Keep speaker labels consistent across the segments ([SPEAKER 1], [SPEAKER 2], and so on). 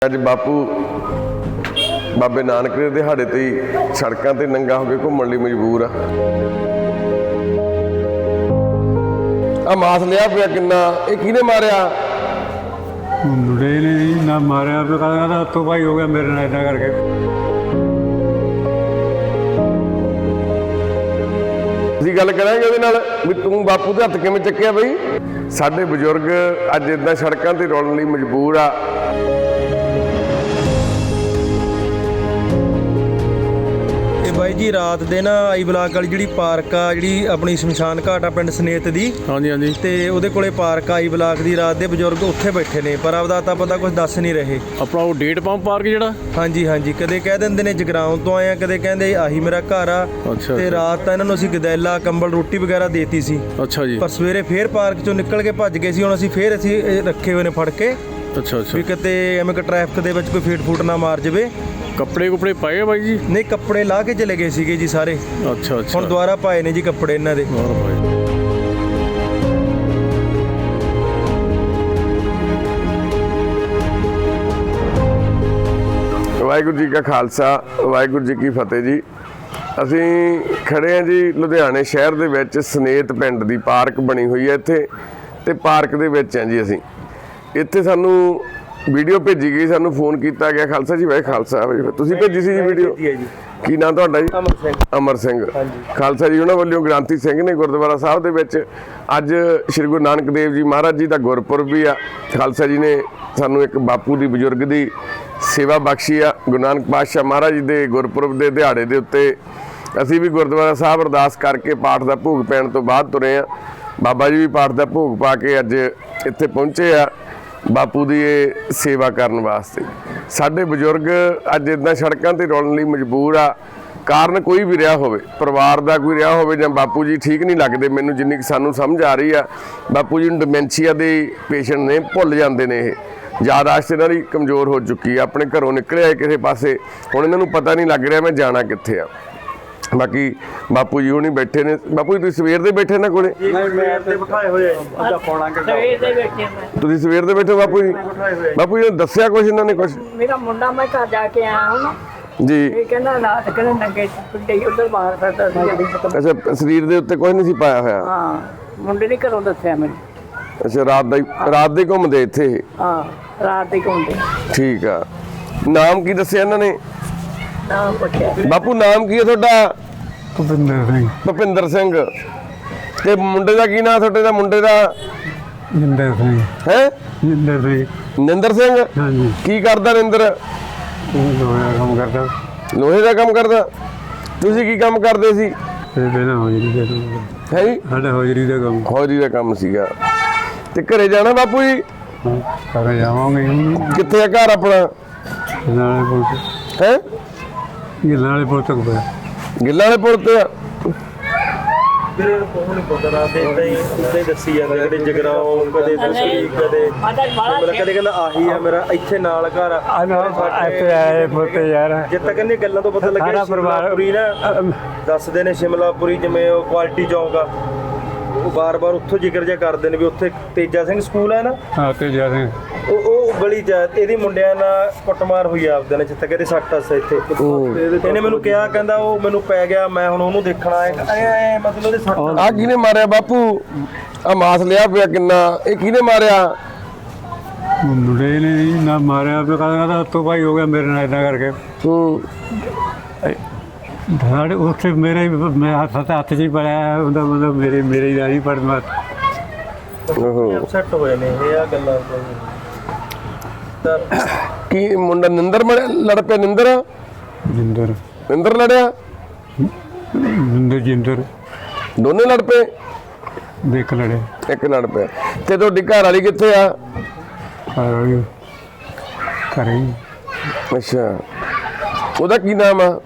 [SPEAKER 1] ਅੱਜ ਬਾਪੂ ਬਾਬੇ ਨਾਨਕ ਦੇ ਦਿਹਾੜੇ ਤੇ ਸੜਕਾਂ ਤੇ ਨੰਗਾ ਹੋ ਕੇ ਘੁੰਮਣ ਲਈ ਮਜਬੂਰ ਆ ਮਾਸ ਲਿਆ ਪਿਆ ਕਿੰਨਾ ਇਹ ਕਿਹਨੇ ਮਾਰਿਆ
[SPEAKER 2] ਮੁੰਡੇ ਨੇ ਨਾ ਮਾਰਿਆ ਤੇ ਕਹਿੰਦਾ ਹੱਥੋਂ ਭਾਈ ਹੋ ਗਿਆ ਮੇਰੇ ਨਾਲ ਇਦਾਂ ਕਰਕੇ।
[SPEAKER 1] ਅਸੀਂ ਗੱਲ ਕਰਾਂਗੇ ਉਹਦੇ ਨਾਲ ਵੀ ਤੂੰ ਬਾਪੂ ਦੇ ਹੱਥ ਕਿਵੇਂ ਚੱਕਿਆ ਬਈ। ਸਾਡੇ ਬਜ਼ੁਰਗ ਅੱਜ ਇਦਾਂ ਸੜਕਾਂ ਤੇ ਰੋਲਣ ਲਈ ਮਜਬੂਰ ਆ।
[SPEAKER 3] ਬਾਈ ਜੀ ਰਾਤ ਦੇ ਨਾ ਆਈ ਬਲਾਕ ਵਾਲੀ ਜਿਹੜੀ ਪਾਰਕ ਆ ਜਿਹੜੀ ਆਪਣੀ ਸ਼ਮਸ਼ਾਨ ਘਾਟ ਆ ਪਿੰਡ ਸਨੇਤ ਦੀ।
[SPEAKER 2] ਹਾਂਜੀ ਹਾਂਜੀ।
[SPEAKER 3] ਤੇ ਉਹਦੇ ਕੋਲੇ ਪਾਰਕ ਆਈ ਬਲਾਕ ਦੀ ਰਾਤ ਦੇ ਬਜ਼ੁਰਗ ਉੱਥੇ ਬੈਠੇ ਨੇ ਪਰ ਆਪਦਾ ਤਾਂ ਪਤਾ ਕੁਝ ਦੱਸ ਨਹੀਂ ਰਹੇ।
[SPEAKER 2] ਆਪਣਾ ਉਹ ਡੇਟ ਪੰਪ ਪਾਰਕ ਜਿਹੜਾ
[SPEAKER 3] ਹਾਂਜੀ ਹਾਂਜੀ ਕਦੇ ਕਹਿ ਦਿੰਦੇ ਨੇ ਜਗਰਾਉਂ ਤੋਂ ਆਏ ਆ ਕਦੇ ਕਹਿੰਦੇ ਆਹੀ ਮੇਰਾ ਘਰ ਆ।
[SPEAKER 2] ਅੱਛਾ।
[SPEAKER 3] ਤੇ ਰਾਤ ਤਾਂ ਇਹਨਾਂ ਨੂੰ ਅਸੀਂ ਗਦੈਲਾ ਕੰਬਲ ਰੋਟੀ ਵਗੈਰਾ ਦੇਤੀ ਸੀ।
[SPEAKER 2] ਅੱਛਾ ਜੀ।
[SPEAKER 3] ਪਰ ਸਵੇਰੇ ਫੇਰ ਪਾਰਕ ਚੋਂ ਨਿਕਲ ਕੇ ਭੱਜ ਗਏ ਸੀ। ਹੁਣ ਅਸੀਂ ਫੇਰ ਰੱਖੇ ਹੋਏ ਨੇ ਫੜ ਕੇ।
[SPEAKER 2] ਅੱਛਾ ਅੱਛਾ।
[SPEAKER 3] ਵੀ ਕਿਤੇ ਐਵੇਂ ਕਿ ਟ੍ਰੈਫਿਕ ਦੇ ਵਿੱਚ ਕੋਈ ਫੀਟ ਫੂਟ ਨਾ ਮਾਰ ਜਾਵੇ।
[SPEAKER 2] ਕੱਪੜੇ ਕੁਪੜੇ ਪਾਏ ਆ ਬਾਈ ਜੀ?
[SPEAKER 3] ਨਹੀਂ ਕੱਪੜੇ ਲਾ ਕੇ ਚਲੇ ਗਏ ਸੀਗੇ ਜੀ ਸਾਰੇ।
[SPEAKER 2] ਅੱਛਾ ਅੱਛਾ।
[SPEAKER 3] ਹੁਣ ਦੁਬਾਰਾ ਪਾਏ ਨੇ ਜੀ ਕੱਪੜੇ ਇਹਨਾਂ ਦੇ।
[SPEAKER 1] ਵਾਹਿਗੁਰੂ ਜੀ ਕਾ ਖਾਲਸਾ ਵਾਹਿਗੁਰੂ ਜੀ ਕੀ ਫਤਿਹ ਜੀ। ਅਸੀਂ ਖੜੇ ਹਾਂ ਜੀ ਲੁਧਿਆਣੇ ਸ਼ਹਿਰ ਦੇ ਵਿੱਚ ਸਨੇਤ ਪਿੰਡ ਦੀ ਪਾਰਕ ਬਣੀ ਹੋਈ ਹੈ ਇੱਥੇ ਤੇ ਪਾਰਕ ਦੇ ਵਿੱਚ ਹਾਂ ਜੀ। ਅਸੀਂ ਇੱਥੇ ਸਾਨੂੰ ਵੀਡੀਓ ਭੇਜੀ ਗਈ, ਸਾਨੂੰ ਫੋਨ ਕੀਤਾ ਗਿਆ। ਖਾਲਸਾ ਜੀ ਵਾਹਿ ਖਾਲਸਾ। ਤੁਸੀਂ ਭੇਜੀ ਸੀ ਜੀ ਵੀਡੀਓ? ਕੀ ਨਾਂ ਤੁਹਾਡਾ ਜੀ?
[SPEAKER 3] ਅਮਰ ਸਿੰਘ।
[SPEAKER 1] ਅਮਰ ਸਿੰਘ। ਖਾਲਸਾ ਜੀ ਉਹਨਾਂ ਵੱਲੋਂ ਗ੍ਰਾਂਤੀ ਸਿੰਘ ਨੇ ਗੁਰਦੁਆਰਾ ਸਾਹਿਬ ਦੇ ਵਿੱਚ ਅੱਜ ਸ਼੍ਰੀ ਗੁਰੂ ਨਾਨਕ ਦੇਵ ਜੀ ਮਹਾਰਾਜ ਜੀ ਦਾ ਗੁਰਪੁਰਬ ਵੀ ਆ। ਖਾਲਸਾ ਜੀ ਨੇ ਸਾਨੂੰ ਇੱਕ ਬਾਪੂ ਦੀ ਬਜ਼ੁਰਗ ਦੀ ਸੇਵਾ ਬਖਸ਼ੀ ਆ। ਗੁਰੂ ਨਾਨਕ ਪਾਤਸ਼ਾਹ ਮਹਾਰਾਜ ਜੀ ਦੇ ਗੁਰਪੁਰਬ ਦੇ ਦਿਹਾੜੇ ਦੇ ਉੱਤੇ ਅਸੀਂ ਵੀ ਗੁਰਦੁਆਰਾ ਸਾਹਿਬ ਅਰਦਾਸ ਕਰਕੇ ਪਾਠ ਦਾ ਭੋਗ ਪੈਣ ਤੋਂ ਬਾਅਦ ਤੁਰੇ ਆ। ਬਾਬਾ ਜੀ ਵੀ ਪਾਠ ਦਾ ਭੋਗ ਪਾ ਕੇ ਅੱਜ ਇੱਥੇ ਪਹੁੰਚੇ ਆ ਬਾਪੂ ਦੀ ਇਹ ਸੇਵਾ ਕਰਨ ਵਾਸਤੇ। ਸਾਡੇ ਬਜ਼ੁਰਗ ਅੱਜ ਇਦਾਂ ਸੜਕਾਂ ਤੇ ਰੋਲਣ ਲਈ ਮਜਬੂਰ ਆ। ਕਾਰਨ ਕੋਈ ਵੀ ਰਿਹਾ ਹੋਵੇ, ਪਰਿਵਾਰ ਦਾ ਕੋਈ ਰਿਹਾ ਹੋਵੇ ਜਾਂ ਬਾਪੂ ਜੀ ਠੀਕ ਨਹੀਂ ਲੱਗਦੇ। ਮੈਨੂੰ ਜਿੰਨੀ ਕਿ ਸਾਨੂੰ ਸਮਝ ਆ ਰਹੀ ਆ ਬਾਪੂ ਜੀ ਨੂੰ ਡਿਮੈਂਸ਼ੀਆ ਦੇ ਪੇਸ਼ੈਂਟ ਨੇ, ਭੁੱਲ ਜਾਂਦੇ ਨੇ। ਇਹ ਯਾਦਾਸ਼ਤ ਇਹਨਾਂ ਦੀ ਕਮਜ਼ੋਰ ਹੋ ਚੁੱਕੀ ਆ। ਆਪਣੇ ਘਰੋਂ ਨਿਕਲੇ ਆਏ ਕਿਸੇ ਪਾਸੇ, ਹੁਣ ਇਹਨਾਂ ਨੂੰ ਪਤਾ ਨਹੀਂ ਲੱਗ ਰਿਹਾ ਮੈਂ ਜਾਣਾ ਕਿੱਥੇ ਆ। ਬਾਕੀ ਬਾਪੂ ਜੀ ਹੁਣੀ ਬੈਠੇ ਨੇ। ਬਾਪੂ ਜੀ ਤੁਸੀਂ ਸਵੇਰ ਦੇ ਬੈਠੇ ਨਾ ਕੋਲੇ?
[SPEAKER 3] ਤੁਸੀਂ
[SPEAKER 1] ਸਵੇਰ ਦੇ ਬੈਠੇ ਬਾਪੂ ਜੀ? ਬਾਪੂ ਜੀ ਨੇ ਦੱਸਿਆ ਕੁਛ ਇਹਨਾਂ ਨੇ? ਕੁਛ
[SPEAKER 4] ਮੇਰਾ ਮੁੰਡਾ ਮੈਂ ਘਰ ਜਾ ਕੇ ਆਇਆ ਹੁਣ
[SPEAKER 1] ਜੀ।
[SPEAKER 4] ਇਹ ਕਹਿੰਦਾ ਰਾਤ ਕਹਿੰਦਾ ਨੰਗੇ ਪਿੰਡੇ ਉਧਰ ਬਾਹਰ ਫਿਰਦਾ ਸੀ।
[SPEAKER 1] ਅੱਛਾ ਸਰੀਰ ਦੇ ਉੱਤੇ ਕੁਛ ਨਹੀਂ ਸੀ ਪਾਇਆ ਹੋਇਆ?
[SPEAKER 4] ਹਾਂ ਮੁੰਡੇ ਨੇ ਘਰੋਂ ਦੱਸਿਆ ਮੈਨੂੰ।
[SPEAKER 1] ਅੱਛਾ ਰਾਤ ਦੇ ਘੁੰਮਦੇ ਇੱਥੇ?
[SPEAKER 4] ਹਾਂ ਰਾਤ ਦੇ ਘੁੰਮਦੇ।
[SPEAKER 1] ਠੀਕ ਆ। ਨਾਮ ਕੀ ਦੱਸਿਆ ਇਹਨਾਂ ਨੇ?
[SPEAKER 4] ਨਾਮ ਪੁੱਛਿਆ।
[SPEAKER 1] ਬਾਪੂ ਨਾਮ ਕੀ ਹੈ ਤੁਹਾਡਾ?
[SPEAKER 2] ਭੁਪਿੰਦਰ ਸਿੰਘ।
[SPEAKER 1] ਭੁਪਿੰਦਰ ਸਿੰਘ। ਤੇ ਮੁੰਡੇ ਦਾ ਕੀ ਨਾਮ ਤੁਹਾਡੇ ਦਾ? ਮੁੰਡੇ ਦਾ
[SPEAKER 2] ਜਿੰਦਰ ਸਿੰਘ।
[SPEAKER 1] ਹੈ?
[SPEAKER 2] ਜਿੰਦਰ ਸਿੰਘ।
[SPEAKER 1] ਨਿੰਦਰ ਸਿੰਘ।
[SPEAKER 2] ਹਾਂਜੀ।
[SPEAKER 1] ਕੀ ਕਰਦਾ ਨਿੰਦਰ?
[SPEAKER 2] ਲੋਹਾ ਕੰਮ ਕਰਦਾ।
[SPEAKER 1] ਲੋਹੇ ਦਾ ਕੰਮ ਕਰਦਾ। ਤੁਸੀਂ ਕੀ ਕੰਮ ਕਰਦੇ ਸੀ?
[SPEAKER 2] ਤੇ ਪਹਿਲਾਂ ਹੋਜਰੀ ਦਾ ਕੰਮ।
[SPEAKER 1] ਹੈ ਜੀ?
[SPEAKER 2] ਸਾਡਾ ਹੋਜਰੀ ਦਾ ਕੰਮ।
[SPEAKER 1] ਖੋਰੀ ਦਾ ਕੰਮ ਸੀਗਾ। ਤੇ ਘਰੇ ਜਾਣਾ ਬਾਪੂ ਜੀ?
[SPEAKER 2] ਘਰ ਜਾਵਾਂਗੇ ਹੁਣ।
[SPEAKER 1] ਕਿੱਥੇ ਆ ਘਰ ਆਪਣਾ?
[SPEAKER 2] ਨਾਲੇ ਪੁੱਤ
[SPEAKER 1] ਹੈ?
[SPEAKER 2] ਨਾਲੇ ਪੁੱਤ ਤੱਕ ਪਿਆ।
[SPEAKER 1] ਗਿੱਲਾਂ ਵਾਲੇ ਪੁਲ ਤੇ ਆ।
[SPEAKER 3] ਵੀਰੇ ਕੋਹ ਨਹੀਂ ਪਤਾ ਰਾਤ ਦੇ ਇਦਾਂ ਹੀ ਦੱਸੀ ਜਾਂਦੇ ਕਦੇ ਜਗਰਾਉਂ ਕਦੇ ਦਸੀ ਕਦੇ ਮਤਲਬ ਕਦੇ ਕਹਿੰਦਾ ਆਹੀ ਆ ਮੇਰਾ ਇੱਥੇ ਨਾਲ ਘਰ ਆ।
[SPEAKER 2] ਇੱਥੇ ਆਏ ਪੁੱਤ ਯਾਰ।
[SPEAKER 3] ਜਿੱਦ ਤੱਕ ਇਹਨੇ ਗੱਲਾਂ ਤੋਂ ਪਤਾ ਲੱਗਿਆ ਸ਼ਿਮਲਾਪੁਰੀ ਨਾ ਦੱਸਦੇ ਨੇ। ਸ਼ਿਮਲਾਪੁਰੀ ਜਿਵੇਂ ਉਹ ਕੁਆਲਿਟੀ ਚੌਂਕ ਆ ਉਹ ਬਾਰ-ਬਾਰ ਉੱਥੋਂ ਜ਼ਿਕਰ ਜਿਹਾ ਕਰਦੇ ਨੇ ਵੀ ਉੱਥੇ ਤੇਜਾ ਸਿੰਘ ਸਕੂਲ ਹੈ ਨਾ।
[SPEAKER 2] ਹਾਂ ਤੇਜਾ ਸਿੰਘ। ਉਹ
[SPEAKER 3] ਗਲੀ 'ਚ ਇਹਦੀ ਮੁੰਡਿਆਂ ਨਾਲ ਕੁੱਟਮਾਰ ਹੋਈ ਆਪਦੇ ਨੇ ਜਿੱਥੇ ਕਹਿੰਦੇ ਸੱਟ ਹੱਸ ਇੱਥੇ। ਇਹਨੇ ਮੈਨੂੰ ਕਿਹਾ ਕਹਿੰਦਾ ਉਹ ਮੈਨੂੰ ਪੈ ਗਿਆ ਮੈਂ ਹੁਣ ਉਹਨੂੰ ਦੇਖਣਾ ਐ ਮਤਲਬ ਉਹਦੇ ਸੱਟ।
[SPEAKER 1] ਆ ਕਿਹਨੇ ਮਾਰਿਆ ਬਾਪੂ? ਆ ਮਾਸ ਲਿਆ ਪਿਆ ਕਿੰਨਾ ਇਹ ਕਿਹਨੇ ਮਾਰਿਆ?
[SPEAKER 2] ਮੁੰਡੇ ਨੇ ਨਾ ਮਾਰਿਆ ਤੇ ਕਹਿੰਦਾ ਹੱਥੋਂ ਭਾਈ ਹੋ ਗਿਆ ਮੇਰੇ ਨਾਲ ਇਦਾਂ ਕਰਕੇ। ਸਾਡੇ ਉੱਥੇ ਮੇਰੇ ਮੈਂ ਹੱਥ 'ਚ ਹੀ ਪੜਿਆ ਉਹਦਾ ਮਤਲਬ ਮੇਰੇ ਹੀ ਨਹੀਂ ਪੜਨਾ।
[SPEAKER 3] ਅਪਸੈਟ ਹੋਏ ਨੇ ਇਹ ਆ ਗੱਲਾਂ।
[SPEAKER 1] ਕੀ ਮੁੰਡਾ ਨਿੰਦਰ ਲੜ ਪਿਆ? ਨਿੰਦਰ ਲੜਿਆ?
[SPEAKER 2] ਜਿੰਦਰ
[SPEAKER 1] ਦੋਨੇ ਲੜ ਪਏ?
[SPEAKER 2] ਦੇਖ ਲੜੇ।
[SPEAKER 1] ਇੱਕ ਲੜ ਪਿਆ। ਤੇ ਤੁਹਾਡੀ ਘਰ ਵਾਲੀ ਕਿੱਥੇ ਆ?
[SPEAKER 2] ਘਰੇ।
[SPEAKER 1] ਅੱਛਾ ਉਹਦਾ ਕੀ ਨਾਮ ਆ?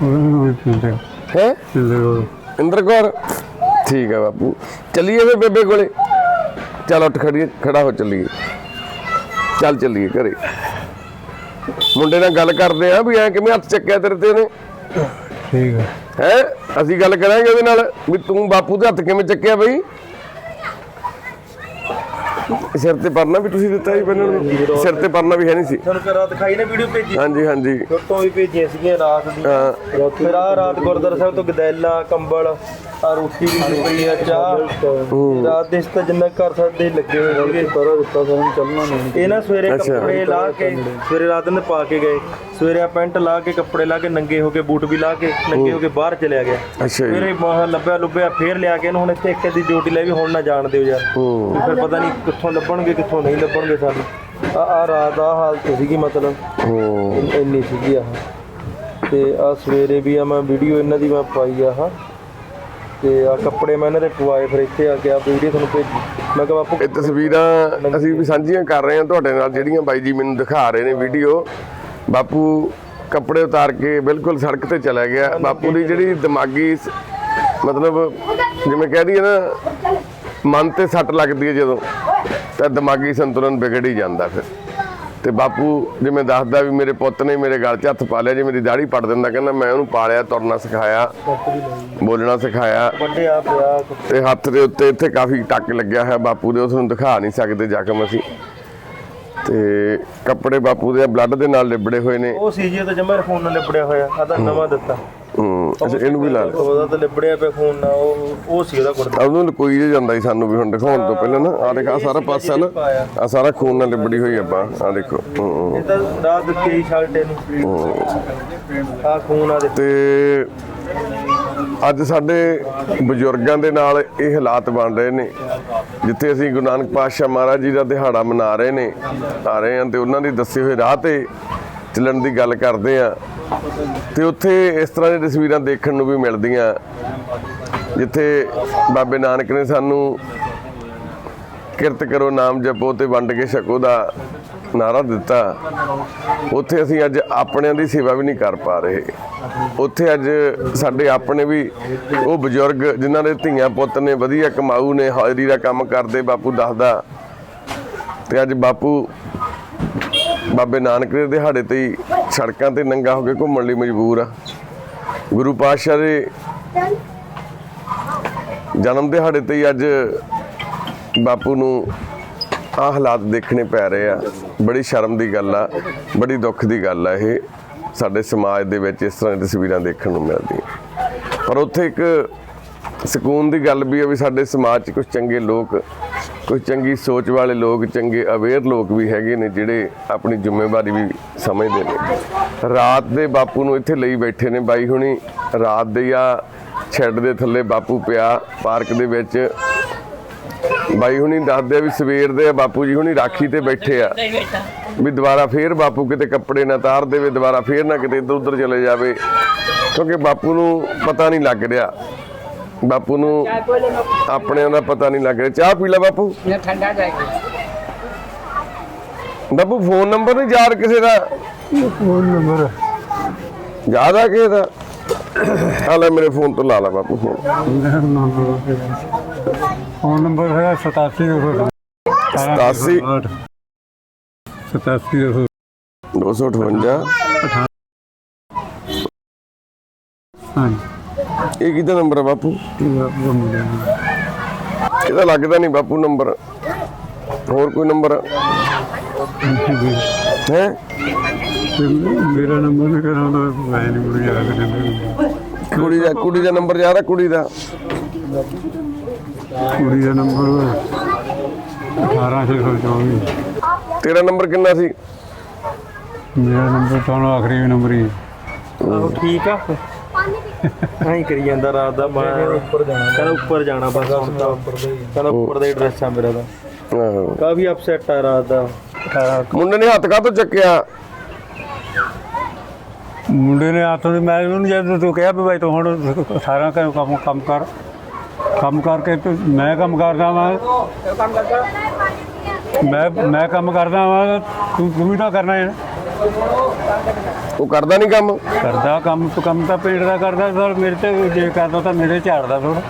[SPEAKER 1] ਹੈ ਇੰਦਰ ਕੌਰ। ਠੀਕ ਆ ਬਾਪੂ। ਚੱਲੀਏ ਫਿਰ ਬੇਬੇ ਕੋਲੇ। ਚੱਲ ਉੱਠ ਖੜਾ ਹੋ ਚੱਲੀਏ। ਚੱਲ ਚੱਲੀਏ ਘਰੇ। ਮੁੰਡੇ ਨਾਲ ਗੱਲ ਕਰਦੇ ਆ ਵੀ ਐ ਕਿਵੇਂ ਹੱਥ ਚੱਕਿਆ ਤੇਰੇ ਤੇ ਉਹਨੇ?
[SPEAKER 2] ਠੀਕ
[SPEAKER 1] ਹੈ ਅਸੀਂ ਗੱਲ ਕਰਾਂਗੇ ਉਹਦੇ ਨਾਲ ਵੀ ਤੂੰ ਬਾਪੂ ਦੇ ਹੱਥ ਕਿਵੇਂ ਚੱਕਿਆ ਬਈ। ਸਿਰ ਤੇ ਪਰਨਾ ਵੀ ਤੁਸੀਂ ਦਿੱਤਾ ਜੀ ਪਹਿਲਾਂ ਨੂੰ? ਸਿਰ ਤੇ ਪਰਨਾ ਵੀ ਹੈ ਨਹੀਂ ਸੀ?
[SPEAKER 3] ਤੁਹਾਨੂੰ ਕਰਾ ਦਿਖਾਈ ਨਾ ਵੀਡੀਓ ਭੇਜੀ
[SPEAKER 1] ਹਾਂਜੀ ਹਾਂਜੀ
[SPEAKER 3] ਫੋਟੋ ਵੀ ਭੇਜੀਆਂ ਸੀਗੀਆਂ ਰਾਤ ਦੀ।
[SPEAKER 1] ਹਾਂ
[SPEAKER 3] ਫਿਰ ਆਹ ਰਾਤ ਗੁਰਦੁਆਰਾ ਸਾਹਿਬ ਤੋਂ ਗਦੈਲਾ ਕੰਬਲ ਆ ਰੋਟੀ ਵੀ ਪਈ ਆ ਚਾਹ ਰਾਤ ਦੇ ਇਸ ਤਾਂ ਜਿੰਨਾ ਘਰ ਸਾਡੇ ਲੱਗੇ ਹੋਏ ਸੀਗੇ ਸਾਰਾ ਦਿੱਤਾ ਸਾਨੂੰ ਚੱਲਣਾ ਨਹੀਂ। ਇਹ ਨਾ ਸਵੇਰੇ ਕੱਪੜੇ ਲਾ ਕੇ ਸਵੇਰੇ ਰਾਤ ਨੂੰ ਪਾ ਕੇ ਗਏ, ਸਵੇਰੇ ਆ ਪੈਂਟ ਲਾ ਕੇ ਕੱਪੜੇ ਲਾ ਕੇ ਨੰਗੇ ਹੋ ਕੇ ਬੂਟ ਵੀ ਲਾ ਕੇ ਨੰਗੇ ਹੋ ਕੇ ਬਾਹਰ ਚਲਿਆ ਗਿਆ।
[SPEAKER 1] ਅੱਛਾ ਜੀ।
[SPEAKER 3] ਫਿਰ ਇਹ ਲੱਭਿਆ ਲੁੱਭਿਆ ਫੇਰ ਲਿਆ ਕੇ ਇਹਨੂੰ ਹੁਣ ਇੱਥੇ ਇੱਕ ਦੀ ਡਿਊਟੀ ਲੈ ਵੀ ਹੁਣ ਨਾ ਜਾਣ ਦਿਓ ਯਾਰ। ਵੀ ਫਿਰ ਪਤਾ ਨਹੀਂ ਕਿੱਥੋਂ ਲੱਭਣਗੇ ਕਿੱਥੋਂ ਨਹੀਂ ਲੱਭਣਗੇ ਸਾਨੂੰ। ਆ ਰਾਤ ਆ ਹਾਲਤ ਸੀਗੀ ਮਤਲਬ ਇੰਨੀ ਸੀਗੀ ਆਹ। ਤੇ ਆ ਸਵੇਰੇ ਵੀ ਆ ਮੈਂ ਵੀਡੀਓ ਇਹਨਾਂ ਦੀ ਮੈਂ ਪਾਈ ਆ ਤੇ ਆ ਕੱਪੜੇ ਮੈਂ ਇਹਨਾਂ ਦੇ ਪਵਾਏ ਫਿਰ ਇੱਥੇ ਆ ਗਿਆ ਵੀਡੀਓ ਤੁਹਾਨੂੰ ਭੇਜੀ। ਮੈਂ ਕਿਹਾ ਬਾਪੂ
[SPEAKER 1] ਇਹ ਤਸਵੀਰਾਂ ਅਸੀਂ ਵੀ ਸਾਂਝੀਆਂ ਕਰ ਰਹੇ ਹਾਂ ਤੁਹਾਡੇ ਨਾਲ, ਜਿਹੜੀਆਂ ਬਾਈ ਜੀ ਮੈਨੂੰ ਦਿਖਾ ਰਹੇ ਨੇ ਵੀਡੀਓ। ਬਾਪੂ ਕੱਪੜੇ ਉਤਾਰ ਕੇ ਬਿਲਕੁਲ ਸੜਕ ਤੇ ਚਲਾ ਗਿਆ। ਬਾਪੂ ਦੀ ਜਿਹੜੀ ਦਿਮਾਗੀ ਮਤਲਬ ਜਿਵੇਂ ਕਹਿ ਦਈਏ ਨਾ ਮਨ ਤੇ ਸੱਟ ਲੱਗਦੀ ਹੈ ਜਦੋਂ, ਤਾਂ ਦਿਮਾਗੀ ਸੰਤੁਲਨ ਵਿਗੜ ਹੀ ਜਾਂਦਾ ਫਿਰ। ਤੇ ਬਾਪੂ ਜਿਵੇਂ ਦੱਸਦਾ ਵੀ ਮੇਰੇ ਪੁੱਤ ਨੇ ਮੇਰੇ ਗਲ 'ਚ ਹੱਥ ਪਾ ਲਿਆ, ਜੇ ਮੇਰੀ ਦਾੜੀ ਪੱਟ ਦਿੰਦਾ, ਕਹਿੰਦਾ ਮੈਂ ਉਹਨੂੰ ਪਾਲਿਆ, ਤੁਰਨਾ ਸਿਖਾਇਆ, ਬੋਲਣਾ ਸਿਖਾਇਆ।
[SPEAKER 3] ਵੱਡਿਆ ਪਿਆ
[SPEAKER 1] ਤੇ ਹੱਥ ਦੇ ਉੱਤੇ ਇੱਥੇ ਕਾਫੀ ਟੱਕ ਲੱਗਿਆ ਹੈ ਬਾਪੂ ਦੇ, ਉਸ ਨੂੰ ਦਿਖਾ ਨਹੀਂ ਸਕਦੇ ਜ਼ਖਮ ਅਸੀਂ। ਤੇ ਕੱਪੜੇ ਬਾਪੂ ਦੇ ਬਲੱਡ ਦੇ ਨਾਲ ਲਿਬੜੇ ਹੋਏ ਨੇ।
[SPEAKER 3] ਉਹ ਸੀ ਜੀ ਤਾਂ ਜਮਾ ਫੋਨ ਨਾਲ ਲਿਬੜਿਆ ਹੋਇਆ ਆ ਤਾਂ ਨਵਾਂ ਦਿੱਤਾ।
[SPEAKER 1] ਅੱਛਾ ਇਹਨੂੰ ਵੀ ਲਾ ਲਓ।
[SPEAKER 3] ਉਹਦਾ ਤਾਂ ਲਿਬੜਿਆ ਪਿਆ ਫੋਨ ਨਾਲ ਉਹ ਸੀ ਉਹਦਾ ਕੁੜਤਾ।
[SPEAKER 1] ਉਹਨੂੰ ਲਕੋਈ ਜੇ ਜਾਂਦਾ ਸੀ ਸਾਨੂੰ ਵੀ ਹੁਣ ਦਿਖਾਉਣ ਤੋਂ ਪਹਿਲਾਂ ਨਾ। ਆ ਦੇਖ ਆ ਸਾਰਾ ਪਾਸਾ ਨਾ ਆ ਸਾਰਾ ਖੂਨ ਨਾਲ ਲਿਬੜੀ ਹੋਈ ਆ ਬਾਂਹ, ਆ ਦੇਖੋ।
[SPEAKER 3] ਇਹ ਤਾਂ ਰਾਤ ਦਿੱਤੀ ਸੀ ਸ਼ਰਟ ਇਹਨੂੰ ਆ ਖੂਨ ਆ ਦੇ।
[SPEAKER 1] ਤੇ ਅੱਜ ਸਾਡੇ ਬਜ਼ੁਰਗਾਂ ਦੇ ਨਾਲ ਇਹ ਹਾਲਾਤ ਬਣ ਰਹੇ ਨੇ, ਜਿੱਥੇ ਅਸੀਂ ਗੁਰੂ ਨਾਨਕ ਪਾਤਸ਼ਾਹ ਮਹਾਰਾਜ ਜੀ ਦਾ ਦਿਹਾੜਾ ਮਨਾ ਰਹੇ ਨੇ ਆ ਰਹੇ ਹਾਂ, ਤੇ ਉਹਨਾਂ ਦੀ ਦੱਸੇ ਹੋਏ ਰਾਹ ਤੇ ਚੱਲਣ ਦੀ ਗੱਲ ਕਰਦੇ ਆ। ਤੇ ਉੱਥੇ ਇਸ ਤਰ੍ਹਾਂ ਦੀਆਂ ਤਸਵੀਰਾਂ ਦੇਖਣ ਨੂੰ ਵੀ ਮਿਲਦੀਆਂ, ਜਿੱਥੇ ਬਾਬੇ ਨਾਨਕ ਨੇ ਸਾਨੂੰ ਕਿਰਤ ਕਰੋ, ਨਾਮ ਜਪੋ ਤੇ ਵੰਡ ਕੇ ਛਕੋ ਦਾ ਨਾਰਾ ਦਿੱਤਾ। ਉੱਥੇ ਅਸੀਂ ਅੱਜ ਆਪਣਿਆਂ ਦੀ ਸੇਵਾ ਵੀ ਨਹੀਂ ਕਰ ਪਾ ਰਹੇ। ਉੱਥੇ ਅੱਜ ਸਾਡੇ ਆਪਣੇ ਵੀ ਉਹ ਬਜ਼ੁਰਗ ਜਿਨ੍ਹਾਂ ਦੇ ਧੀਆਂ ਪੁੱਤ ਨੇ, ਵਧੀਆ ਕਮਾਊ ਨੇ, ਹਾਜ਼ਰੀ ਦਾ ਕੰਮ ਕਰਦੇ, ਬਾਪੂ ਦੱਸਦਾ। ਤੇ ਅੱਜ ਬਾਪੂ ਬਾਬੇ ਨਾਨਕ ਦੇ ਦਿਹਾੜੇ ਤੇ ਹੀ ਸੜਕਾਂ ਤੇ ਨੰਗਾ ਹੋ ਕੇ ਘੁੰਮਣ ਲਈ ਮਜਬੂਰ ਆ। ਗੁਰੂ ਪਾਤਸ਼ਾਹ ਦੇ ਜਨਮ ਦਿਹਾੜੇ ਤੇ ਹੀ ਅੱਜ ਬਾਪੂ ਨੂੰ ਆਹ ਹਾਲਾਤ ਦੇਖਣੇ ਪੈ ਰਹੇ ਆ। ਬੜੀ ਸ਼ਰਮ ਦੀ ਗੱਲ ਆ, ਬੜੀ ਦੁੱਖ ਦੀ ਗੱਲ ਆ। ਇਹ ਸਾਡੇ ਸਮਾਜ ਦੇ ਵਿੱਚ ਇਸ ਤਰ੍ਹਾਂ ਦੀਆਂ ਤਸਵੀਰਾਂ ਦੇਖਣ ਨੂੰ ਮਿਲਦੀਆਂ। ਪਰ ਉੱਥੇ ਇੱਕ ਸਕੂਨ ਦੀ ਗੱਲ ਵੀ ਆ ਵੀ ਸਾਡੇ ਸਮਾਜ 'ਚ ਕੁਝ ਚੰਗੇ ਲੋਕ, ਕੁਝ ਚੰਗੀ ਸੋਚ ਵਾਲੇ ਲੋਕ, ਚੰਗੇ ਅਵੇਅਰ ਲੋਕ ਵੀ ਹੈਗੇ ਨੇ, ਜਿਹੜੇ ਆਪਣੀ ਜ਼ਿੰਮੇਵਾਰੀ ਵੀ ਸਮਝਦੇ ਨੇ। ਰਾਤ ਦੇ ਬਾਪੂ ਨੂੰ ਇੱਥੇ ਲਈ ਬੈਠੇ ਨੇ ਬਾਈ ਹੁਣੀ। ਰਾਤ ਦੇ ਆ ਛੱਡ ਦੇ ਥੱਲੇ ਬਾਪੂ ਪਿਆ ਪਾਰਕ ਦੇ ਵਿੱਚ। ਬਾਈ ਹੁਣੀ ਦੱਸਦੇ ਆ ਵੀ ਸਵੇਰ ਦੇ ਬਾਪੂ ਜੀ ਹੁਣੀ ਰਾਖੀ ਤੇ ਬੈਠੇ ਆ ਵੀ ਦੁਬਾਰਾ ਫੇਰ ਬਾਪੂ ਕਿਤੇ ਕੱਪੜੇ ਨਾ ਤਾਰ ਦੇਵੇ, ਦੁਬਾਰਾ ਫੇਰ ਨਾ ਕਿਤੇ ਇੱਧਰ ਉੱਧਰ ਚਲੇ ਜਾਵੇ, ਕਿਉਂਕਿ ਬਾਪੂ ਨੂੰ ਪਤਾ ਨਹੀਂ ਲੱਗ ਰਿਹਾ, ਬਾਪੂ ਨੂੰ ਆਪਣਿਆਂ ਦਾ ਪਤਾ ਨਹੀਂ ਲੱਗ ਰਿਹਾ। ਚਾਹ ਪੀ ਲੈ ਬਾਪੂ।
[SPEAKER 4] ਠੰਡਾ ਜਾਏਗਾ
[SPEAKER 1] ਬਾਪੂ ਫੋਨ ਨੰਬਰ ਨਹੀਂ ਯਾਦ ਕਿਸੇ ਦਾ?
[SPEAKER 2] ਫੋਨ ਨੰਬਰ
[SPEAKER 1] ਯਾਦ ਆ ਕਿਸੇ ਦਾ? ਆ ਲੈ ਮੇਰੇ ਫੋਨ ਤੋਂ ਲਾ ਲਾ ਬਾਪੂ ਫੋਨ।
[SPEAKER 2] ਫੋਨ ਨੰਬਰ ਹੈਗਾ 87
[SPEAKER 1] 87
[SPEAKER 2] 87
[SPEAKER 1] 258।
[SPEAKER 2] ਹਾਂਜੀ
[SPEAKER 1] ਇਹ ਕਿਹਦਾ ਨੰਬਰ ਆ ਬਾਪੂ?
[SPEAKER 2] ਉਹ ਮੁੰਡੇ ਨੂੰ।
[SPEAKER 1] ਇਹਦਾ ਲੱਗਦਾ ਨਹੀਂ ਬਾਪੂ ਨੰਬਰ। ਹੋਰ ਕੋਈ ਨੰਬਰ ਹੈ?
[SPEAKER 2] ਮੇਰਾ ਨੰਬਰ ਨਹੀਂ ਕਰਾਉਂਦਾ, ਮੈਂ ਨਹੀਂ ਮੁੜ ਜਾ
[SPEAKER 1] ਕੁੜੀ ਦਾ ਨੰਬਰ ਯਾਦ ਆ? ਕੁੜੀ ਦਾ
[SPEAKER 2] ਨੰਬਰ 18624।
[SPEAKER 1] ਤੇਰਾ ਨੰਬਰ ਕਿੰਨਾ ਸੀ?
[SPEAKER 2] ਮੇਰਾ ਨੰਬਰ ਤੁਹਾਨੂੰ ਆਖਰੀ ਨੰਬਰ ਹੀ।
[SPEAKER 3] ਆਹੋ ਠੀਕ ਆ। ਐਂ ਕਰੀ ਜਾਂਦਾ ਰਾਤ ਦਾ। ਮੈਂ ਉੱਪਰ ਜਾਣਾ, ਕਹਿੰਦਾ ਉੱਪਰ ਜਾਣਾ ਬਸ। ਕਹਿੰਦਾ ਉੱਪਰ ਦਾ ਹੀ ਐਡਰੈਸ ਆ ਮੇਰਾ ਤਾਂ।
[SPEAKER 1] ਆਹੋ।
[SPEAKER 3] ਕਾਫੀ ਅਪਸੈਟ ਆ ਰਾਤ ਦਾ।
[SPEAKER 1] ਮੁੰਡੇ ਨੇ ਹੱਥ ਕਾਹਤੋਂ ਚੱਕਿਆ?
[SPEAKER 2] ਮੁੰਡੇ ਨੇ ਹੱਥ ਨੂੰ, ਮੈਂ ਉਹਨੂੰ ਜਦ ਤੂੰ ਕਿਹਾ ਵੀ ਭਾਈ ਤੂੰ ਹੁਣ ਸਾਰਾ ਕੰਮ ਕਰਕੇ ਤੇ ਮੈਂ ਕੰਮ ਕਰਦਾ ਵਾਂ, ਮੈਂ ਕੰਮ ਕਰਦਾ ਵਾਂ, ਤੂੰ ਵੀ ਤਾਂ ਕਰਨਾ ਹੈ।
[SPEAKER 1] ਉਹ ਕਰਦਾ ਨਹੀਂ ਕੰਮ?
[SPEAKER 2] ਕਰਦਾ ਕੰਮ ਤਾਂ ਪਿੰਡ ਦਾ ਕਰਦਾ, ਸਰ ਮੇਰੇ ਤੇ ਜੇ ਕਰਦਾ ਤਾਂ ਮੇਰੇ ਝਾੜਦਾ ਥੋੜਾ।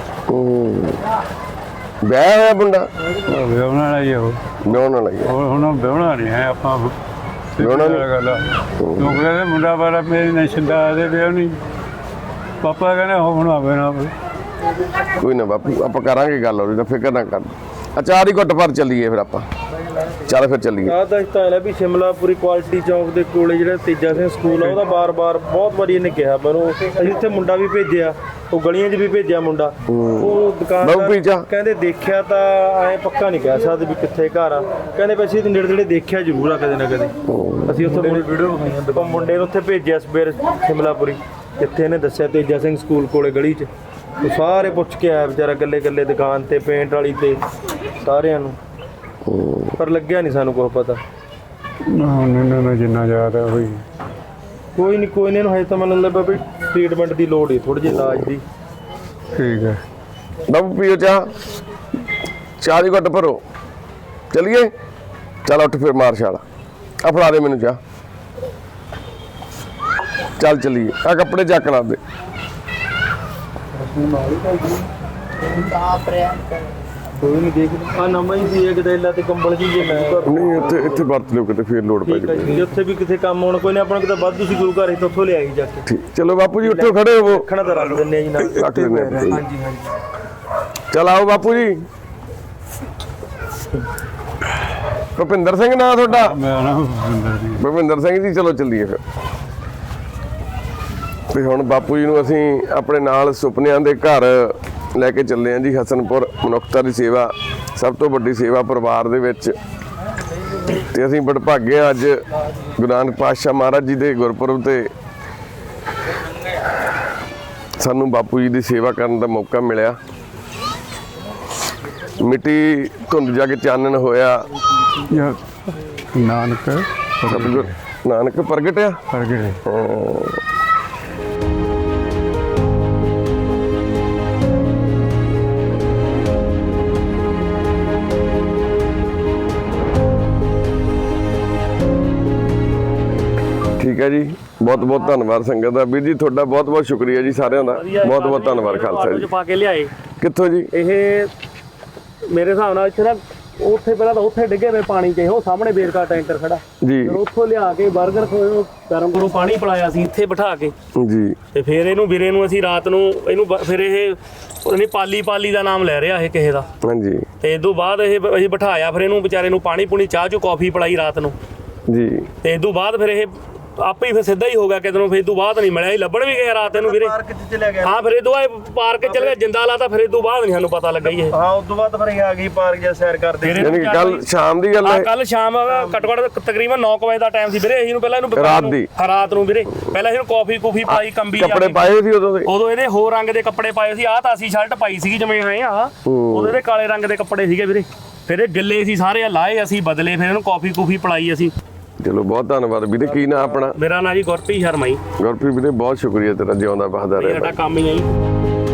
[SPEAKER 1] ਵਿਆਹ ਹੋਇਆ ਮੁੰਡਾ?
[SPEAKER 2] ਵਿਆਹਣ ਵਾਲਾ ਹੀ ਉਹ।
[SPEAKER 1] ਵਿਆਹਣ ਵਾਲਾ ਹੀ ਆ।
[SPEAKER 2] ਹੁਣ ਵਿਆਹਣਾ ਨਹੀਂ ਹੈ ਆਪਾਂ।
[SPEAKER 1] ਵਿਆਹੁਣਾ ਨੀ?
[SPEAKER 2] ਗੱਲ ਲੋਕ ਕਹਿੰਦੇ ਮੁੰਡਾ ਵਾਲਾ ਮੇਰੀ ਨੈਸ਼ਨ ਦਾ ਦੇ ਵਿਆਹ ਨਹੀਂ। ਪਾਪਾ ਕਹਿੰਦੇ ਹੁਣ ਆਵੇ ਨਾ।
[SPEAKER 1] ਕੋਈ ਨਾ ਬਾਪੂ, ਆਪਾਂ ਕਰਾਂਗੇ ਗੱਲ, ਉਹਦੀ ਤਾਂ ਫਿਕਰ ਨਾ ਕਰ। ਅਚਾਰ ਹੀ ਘੁੱਟ ਪਰ ਚੱਲੀਏ ਫਿਰ ਆਪਾਂ। ਚੱਲ ਫਿਰ ਚੱਲੀਏ।
[SPEAKER 3] ਆਹ ਤਾਂ ਤਾਂ ਹੈ ਵੀ ਸ਼ਿਮਲਾਪੁਰੀ ਕੁਆਲਿਟੀ ਚੌਂਕ ਦੇ ਕੋਲੇ ਜਿਹੜਾ ਤੇਜਾ ਸਿੰਘ ਸਕੂਲ ਆ ਉਹਦਾ ਬਾਰ-ਬਾਰ ਬਹੁਤ ਵਾਰੀ ਇਹਨੇ ਕਿਹਾ ਮੈਨੂੰ, ਅਸੀਂ ਉੱਥੇ ਮੁੰਡਾ ਵੀ ਭੇਜਿਆ, ਉਹ ਗਲੀਆਂ 'ਚ ਵੀ ਭੇਜਿਆ ਮੁੰਡਾ, ਉਹ ਦੁਕਾਨਦਾਰ ਕਹਿੰਦੇ ਦੇਖਿਆ ਤਾਂ ਐਂ ਪੱਕਾ ਨਹੀਂ ਕਹਿ ਸਕਦੇ ਵੀ ਕਿੱਥੇ ਘਰ ਆ, ਕਹਿੰਦੇ ਵੀ ਅਸੀਂ ਨੇੜੇ ਨੇੜੇ ਦੇਖਿਆ ਜ਼ਰੂਰ ਆ ਕਦੇ ਨਾ ਕਦੇ। ਅਸੀਂ ਉੱਥੇ ਵੀਡੀਓ ਵਿਖਾਈਆਂ, ਮੁੰਡੇ ਨੂੰ ਉੱਥੇ ਭੇਜਿਆ ਸਵੇਰ ਸ਼ਿਮਲਾਪੁਰੀ, ਜਿੱਥੇ ਇਹਨੇ ਦੱਸਿਆ ਤੇਜਾ ਸਿੰਘ ਸਕੂਲ ਕੋਲੇ ਗਲੀ 'ਚ, ਉਹ ਸਾਰੇ ਪੁੱਛ ਕੇ ਆਇਆ ਵਿਚਾਰਾ ਇਕੱਲੇ ਇਕੱਲੇ ਦੁਕਾਨ ਤੇ, ਪੇਂਟ ਵਾਲੀ ਤੇ ਸਾਰਿਆਂ ਨੂੰ, ਪਰ ਲੱਗਿਆ ਨਹੀਂ ਸਾਨੂੰ ਕੁਛ ਪਤਾ।
[SPEAKER 2] ਉਹਨਾਂ ਨੂੰ ਜਿੰਨਾ ਯਾਦ ਹੈ ਹੋਈ।
[SPEAKER 3] ਕੋਈ ਨਹੀਂ ਇਹਨੂੰ ਹਜੇ ਤਾਂ ਮੈਨੂੰ ਲੱਗਦਾ ਵੀ ਟ੍ਰੀਟਮੈਂਟ ਦੀ ਲੋੜ ਹੈ, ਥੋੜੀ ਜਿਹੀ ਇਲਾਜ ਦੀ।
[SPEAKER 2] ਠੀਕ ਹੈ
[SPEAKER 1] ਬਾਪੂ ਪੀਓ ਚਾਹ ਦੀ ਘੁੱਟ ਭਰੋ, ਚਲੀਏ। ਚੱਲ ਉੱਠ ਫਿਰ ਮਾਰ ਛਾਲ, ਆ ਫੜਾ ਦੇ ਮੈਨੂੰ ਚਾਹ। ਚੱਲ ਚਲੀਏ, ਆ ਕੱਪੜੇ ਚੱਕ ਲਾ ਦੇ।
[SPEAKER 3] ਕੋਈ ਨਹੀਂ ਦੇਖ ਆ ਨਵਾਂ ਹੀ ਸੀ ਗਦੈਲਾ ਤੇ ਕੰਬਲ ਜੀ ਜੇ ਮੈਂ
[SPEAKER 1] ਨਹੀਂ ਇੱਥੇ ਵਰਤ ਲਿਓ, ਕਿਤੇ ਫਿਰ ਲੋੜ ਪੈ ਜਾਵੇ।
[SPEAKER 3] ਜੇ ਉੱਥੇ ਵੀ ਕਿਤੇ ਕੰਮ ਹੋਣਾ ਕੋਈ ਨਾ, ਆਪਣਾ ਕਿਤੇ ਵਾਧੂ ਸੀ ਗੁਰੂ ਘਰ, ਇੱਥੋਂ ਲਿਆਈ ਜਾ ਕੇ।
[SPEAKER 1] ਠੀਕ, ਚਲੋ ਬਾਪੂ ਜੀ ਉੱਠੋ, ਖੜੇ ਹੋਵੋ।
[SPEAKER 3] ਰੱਖਣਾ ਤਾਂ ਰੱਖ ਦਿੰਦੇ ਆ ਜੀ ਨਾਲ।
[SPEAKER 1] ਰੱਖ ਦਿੰਦੇ ਆ।
[SPEAKER 3] ਹਾਂਜੀ ਹਾਂਜੀ
[SPEAKER 1] ਚਲ ਆਓ ਬਾਪੂ ਜੀ। ਭੁਪਿੰਦਰ ਸਿੰਘ ਨਾਂ ਤੁਹਾਡਾ?
[SPEAKER 2] ਮੇਰਾ ਨਾਮ ਭੁਪਿੰਦਰ ਸਿੰਘ।
[SPEAKER 1] ਭੁਪਿੰਦਰ ਸਿੰਘ ਜੀ, ਚਲੋ ਚੱਲੀਏ ਫਿਰ। ਤੇ ਹੁਣ ਬਾਪੂ ਜੀ ਨੂੰ ਅਸੀਂ ਆਪਣੇ ਨਾਲ ਸੁਪਨਿਆਂ ਦੇ ਘਰ ਲੈ ਕੇ ਚੱਲੇ ਆਂ ਜੀ। ਹਸਨਪੁਰ ਮਨੁੱਖਤਾ ਦੀ ਸੇਵਾ, ਸਭ ਤੋਂ ਵੱਡੀ ਸੇਵਾ ਪਰਿਵਾਰ ਦੇ ਵਿੱਚ। ਤੇ ਅਸੀਂ ਵਡਭਾਗੇ ਹਾਂ ਅੱਜ ਗੁਰੂ ਨਾਨਕ ਪਾਤਸ਼ਾਹ ਮਹਾਰਾਜ ਜੀ ਦੇ ਗੁਰਪੁਰਬ ਤੇ ਸਾਨੂੰ ਬਾਪੂ ਜੀ ਦੀ ਸੇਵਾ ਕਰਨ ਦਾ ਮੌਕਾ ਮਿਲਿਆ। ਮਿੱਟੀ ਧੁੰਦ ਜਾ ਕੇ ਚਾਨਣ ਹੋਇਆ।
[SPEAKER 2] ਯਾ ਨਾਨਕ
[SPEAKER 1] ਸਤਿਗੁਰ ਨਾਨਕ ਪ੍ਰਗਟਿਆ।
[SPEAKER 2] ਪ੍ਰਗਟੇ।
[SPEAKER 1] ਠੀਕ ਹੈ ਜੀ, ਬਹੁਤ ਬਹੁਤ ਧੰਨਵਾਦ ਸੰਗਤ ਦਾ। ਵੀਰ ਜੀ ਤੁਹਾਡਾ ਬਹੁਤ ਬਹੁਤ ਸ਼ੁਕਰੀਆ ਜੀ, ਸਾਰਿਆਂ ਦਾ ਬਹੁਤ ਬਹੁਤ ਧੰਨਵਾਦ। ਖਾਲਸਾ ਜੀ
[SPEAKER 5] ਪਾ ਕੇ ਲਿਆਏ
[SPEAKER 1] ਕਿੱਥੋਂ ਜੀ?
[SPEAKER 5] ਇਹ ਮੇਰੇ ਹਿਸਾਬ ਨਾਲ ਇੱਥੇ ਨਾ ਉੱਥੇ ਪਹਿਲਾਂ ਤਾਂ ਉੱਥੇ ਡਿੱਗੇ ਪਏ ਪਾਣੀ 'ਚ, ਉਹ ਸਾਹਮਣੇ ਬੇਰਕਾ ਟੈਂਕਰ ਖੜਾ,
[SPEAKER 1] ਜੀ
[SPEAKER 5] ਫਿਰ ਉੱਥੋਂ ਲਿਆ ਕੇ 버ਗਰ ਖੋਏ ਗਰਮ ਕਰੋ ਪਾਣੀ ਪਿਲਾਇਆ ਸੀ ਇੱਥੇ ਬਿਠਾ ਕੇ।
[SPEAKER 1] ਜੀ
[SPEAKER 5] ਤੇ ਫਿਰ ਇਹਨੂੰ ਵੀਰੇ ਨੂੰ ਅਸੀਂ ਰਾਤ ਨੂੰ ਇਹਨੂੰ ਫਿਰ ਇਹ ਉਹਨੇ ਪਾਲੀ ਦਾ ਨਾਮ ਲੈ ਰਿਹਾ ਇਹ ਕਿਸੇ ਦਾ।
[SPEAKER 1] ਹਾਂਜੀ
[SPEAKER 5] ਤੇ ਇਸ ਤੋਂ ਬਾਅਦ ਇਹ ਅਸੀਂ ਬਿਠਾਇਆ, ਫਿਰ ਇਹਨੂੰ ਵਿਚਾਰੇ ਨੂੰ ਪਾਣੀ ਪੂਣੀ ਚਾਹ ਚੋ ਕੌਫੀ ਪਿਲਾਈ ਰਾਤ ਨੂੰ।
[SPEAKER 1] ਜੀ
[SPEAKER 5] ਤੇ ਇਸ ਤੋਂ ਬਾਅਦ ਫਿਰ ਇਹ ਆਪੇ ਹੀ ਫਿਰ ਸਿੱਧਾ ਹੀ ਹੋ ਗਿਆ ਕਿਤੇ ਨੂੰ। ਫਿਰ ਇਸ ਤੋਂ ਬਾਅਦ ਨਹੀਂ ਮਿਲਿਆ, ਹੀ ਲੱਭਣ ਵੀ ਗਏ ਰਾਤ ਇਹਨੂੰ ਵੀਰੇ।
[SPEAKER 3] ਪਾਰਕ 'ਚ ਚਲਿਆ ਗਿਆ।
[SPEAKER 5] ਹਾਂ ਫਿਰ ਇਹ ਤੋਂ ਬਾਅਦ ਪਾਰਕ ਚਲ ਗਿਆ, ਜਿੰਦਾ ਲਾਤਾ, ਫਿਰ ਇਸ ਤੋਂ ਬਾਅਦ ਨਹੀਂ ਸਾਨੂੰ ਪਤਾ ਲੱਗਾ ਹੀ ਇਹ।
[SPEAKER 3] ਹਾਂ ਉਸ ਤੋਂ ਬਾਅਦ ਫਿਰ ਇਹ ਆ ਗਈ ਪਾਰਕ ਜਾਂ ਸੈਰ ਕਰਦੇ।
[SPEAKER 1] ਯਾਨੀ ਕਿ ਕੱਲ ਸ਼ਾਮ ਦੀ ਗੱਲ ਹੈ?
[SPEAKER 5] ਕੱਲ ਸ਼ਾਮ ਘੱਟੋ ਘੱਟ ਤਕਰੀਬਨ 9 ਵਜੇ ਦਾ ਟਾਈਮ ਸੀ ਵੀਰੇ। ਅਸੀਂ ਨੂੰ ਪਹਿਲਾਂ ਇਹਨੂੰ ਰਾਤ ਨੂੰ ਵੀਰੇ ਪਹਿਲਾਂ ਇਹਨੂੰ ਕੌਫੀ ਪਾਈ, ਕੰਬੀ
[SPEAKER 1] ਕੱਪੜੇ ਪਾਏ ਸੀ ਉਦੋਂ ਦੇ?
[SPEAKER 5] ਉਦੋਂ ਇਹਦੇ ਹੋਰ ਰੰਗ ਦੇ ਕੱਪੜੇ ਪਾਏ ਸੀ। ਆਹ ਤਾਂ ਅਸੀਂ ਸ਼ਰਟ ਪਾਈ ਸੀਗੀ ਜਿਵੇਂ ਆਏ ਆ, ਉਦੋਂ ਇਹਦੇ ਕਾਲੇ ਰੰਗ ਦੇ ਕੱਪੜੇ ਸੀਗੇ ਵੀਰੇ। ਫਿਰ ਇਹ ਗਿੱਲੇ ਸੀ ਸਾਰੇ, ਲਾਏ ਅਸੀਂ ਬਦਲੇ, ਫਿਰ ਇਹਨੂੰ ਕੌਫੀ ਪਿਲਾਈ ਅਸੀਂ।
[SPEAKER 1] ਚਲੋ ਬਹੁਤ ਧੰਨਵਾਦ ਵੀਰੇ। ਕੀ ਨਾਂ ਆਪਣਾ?
[SPEAKER 5] ਮੇਰਾ ਨਾਂ ਜੀ ਗੁਰਪ੍ਰੀਤ ਸ਼ਰਮਾ ਜੀ।
[SPEAKER 1] ਗੁਰਪ੍ਰੀਤ ਵੀਰੇ ਬਹੁਤ ਸ਼ੁਕਰੀਆ ਤੇਰਾ, ਜਿਉਂਦਾ ਬਹਾਦਰ
[SPEAKER 5] ਸਾਡਾ ਕੰਮ ਹੀ ਹੈ ਜੀ।